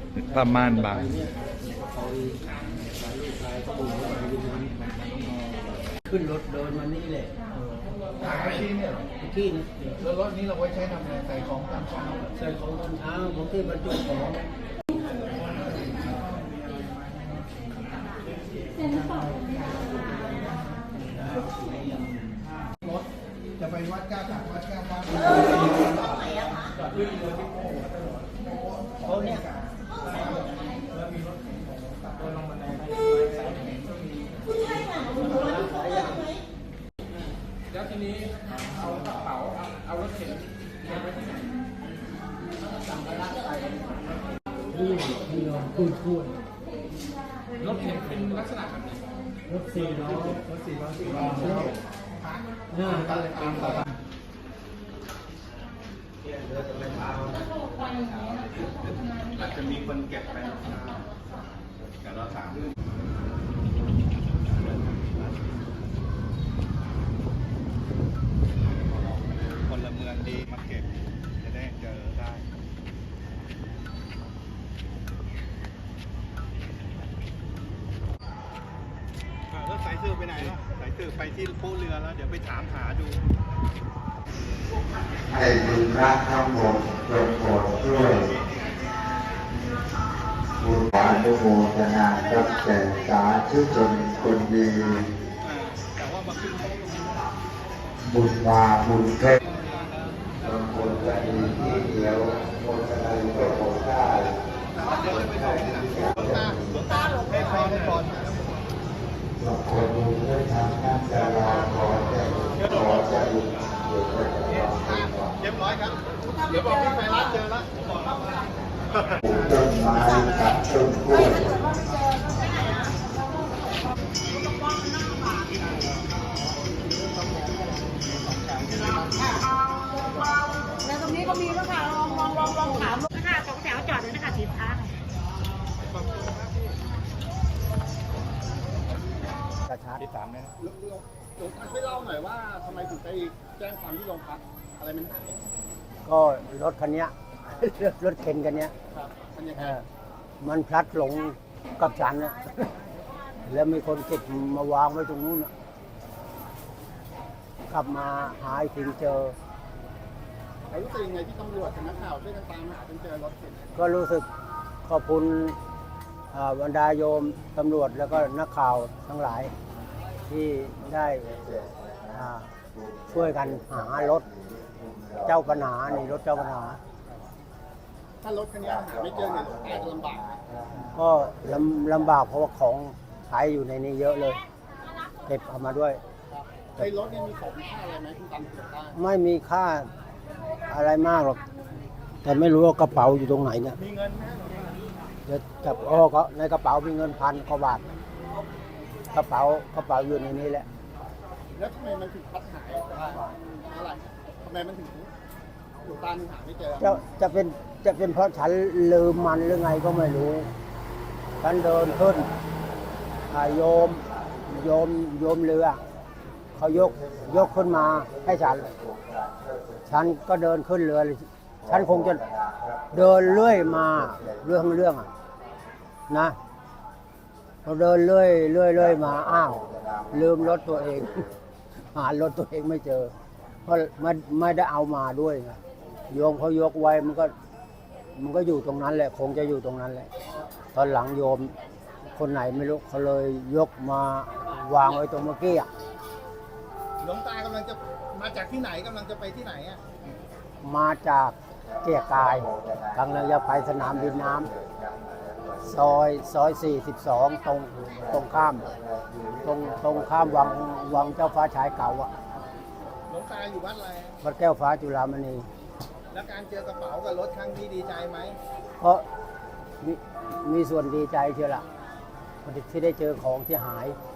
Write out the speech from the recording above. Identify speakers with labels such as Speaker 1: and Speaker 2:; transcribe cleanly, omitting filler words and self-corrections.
Speaker 1: ประมาณบ่าย
Speaker 2: ขึ้นรถเดินมานี่แหละ
Speaker 3: เมื่อกี้เนี่ย
Speaker 2: ที่นะ
Speaker 3: แล้วรถนี้เราไว้ใช้ทำอะไรใส่ของตามเช้า
Speaker 2: ใส่ของตอนเช้าผมที่บรรจุของ
Speaker 3: รถจะไปวัดแก้วจากวัดแก้วบ้าน
Speaker 2: เขาเนี่ย
Speaker 3: แล้วทีนี้เอากระเป๋าเอารถเข็นไปที่ไหนสั่งกระลาไป
Speaker 2: ที่เราพูด
Speaker 3: รถเข็นเป็นลักษณะแบบไหน
Speaker 2: รถ4 ล้อ
Speaker 3: หน้าตาเลยตามต่ออาจจะมีคนเก็บไปกับเรา3พลเมืองดีมาเก็บจะได้เจอได้แล้วสายสืบไปไหนล่ะสายสืบไปที่ผู้เรือแล้วเดี๋ยวไปถามหาดู
Speaker 4: ให้บุญพระทั้งหมดจงโปรดช่วยบุญอนุโมทนาตั้งแต่สาธุชนคนดีบุญมาบุญเพชรบางคนก็ดีที่เดียวคนอะไรก็คงได้บางคนดูด้วยทางนั้นจะรอขอจะบุญ
Speaker 3: เรียบร้อยครับเดี๋ยวบอกพี่ไปร้านเจอแล้ว
Speaker 4: ปลูกต้นไม้ตัดต้นกล้วย
Speaker 5: แล้วตรงนี้ก็มีแล้วค่ะลองถามนะคะ2 แถวจอดเลยนะคะ10 ครั้ง
Speaker 2: กระชาก
Speaker 3: ที่3เนี่ยหลวงตาช่วยเล่าหน่อยว่าทำไมถึงไปแจ้งความที่โรงพักอะไรมันหาย
Speaker 2: ก็รถคันนี้รถเข็นคันนี้มันพลัดหลงกับฉันนะแล้วมีคนเก็บมาวางไว้ตรงนู้นกลับมาหาถึงเจอ
Speaker 3: รู้สึกยังไงที่ตำรวจกับนักข่าวช่วยกันตามหาจนเจอรถเข็น
Speaker 2: ก็รู้สึกขอบคุณบรรดาโยมตำรวจแล้วก็นักข่าวทั้งหลายที่ได้ช่วยกันหารถเจ้าปัญหานี่รถเจ้าปัญหา
Speaker 3: ถ้ารถคันนี้หาไม่เจอเนี่ยหลวงตาจะลำบาก
Speaker 2: ก็ลำบากเพราะว่าของใช้อยู่ในนี้เยอะเลยเก็บเอามาด้วย
Speaker 3: ในรถนี่มีของมีค่าอะไรไหมคุณตามเก็บได้
Speaker 2: ไม่มีค่าอะไรมากหรอกแต่ไม่รู้ว่ากระเป๋าอยู่ตรงไหนเนี่ย
Speaker 3: มีเงินไหม
Speaker 2: จะจับเขาในกระเป๋ามีเงิน1,000 กว่าบาทกระเป๋าอยู่ในนี้แหละ
Speaker 3: แล้วทำไมมันถึงพัดหายอะไรทำไมมันถึงหลวงตาหาไม่เจอ
Speaker 2: จะเป็นเพราะฉันลืมมันหรือไงก็ไม่รู้ฉันเดินขึ้นโยมเรือเขายกขึ้นมาให้ฉันก็เดินขึ้นเรือฉันคงจะเดินเรื่อยมาเรื่องนะพอเดินเรื่อยมาอ้าวลืมรถตัวเองหารถตัวเองไม่เจอเพราะไม่ได้เอามาด้วยไงโยมเขายกไว้มันก็อยู่ตรงนั้นแหละคงจะอยู่ตรงนั้นแหละตอนหลังโยมคนไหนไม่รู้เขาเลยยกมาวางไว้ตรงเมื่อกี้
Speaker 3: หลวงตากำลังจะมาจากที่ไหนกำลังจะไปที่ไหน
Speaker 2: มาจากเกียรกายกำลังจะไปสนามบินน้ำซอย42ตรงข้ามวังเจ้าฟ้าชายเก่า
Speaker 3: หลวงตาอยู่วัดอะไร
Speaker 2: วัดแก้วฟ้าจุฬามณี
Speaker 3: แล้วการเจอกระเป๋ากับรถครั้งนี้ดีใจไหม
Speaker 2: เพราะมีส่วนดีใจเชียวล่ะที่ได้เจอของที่หาย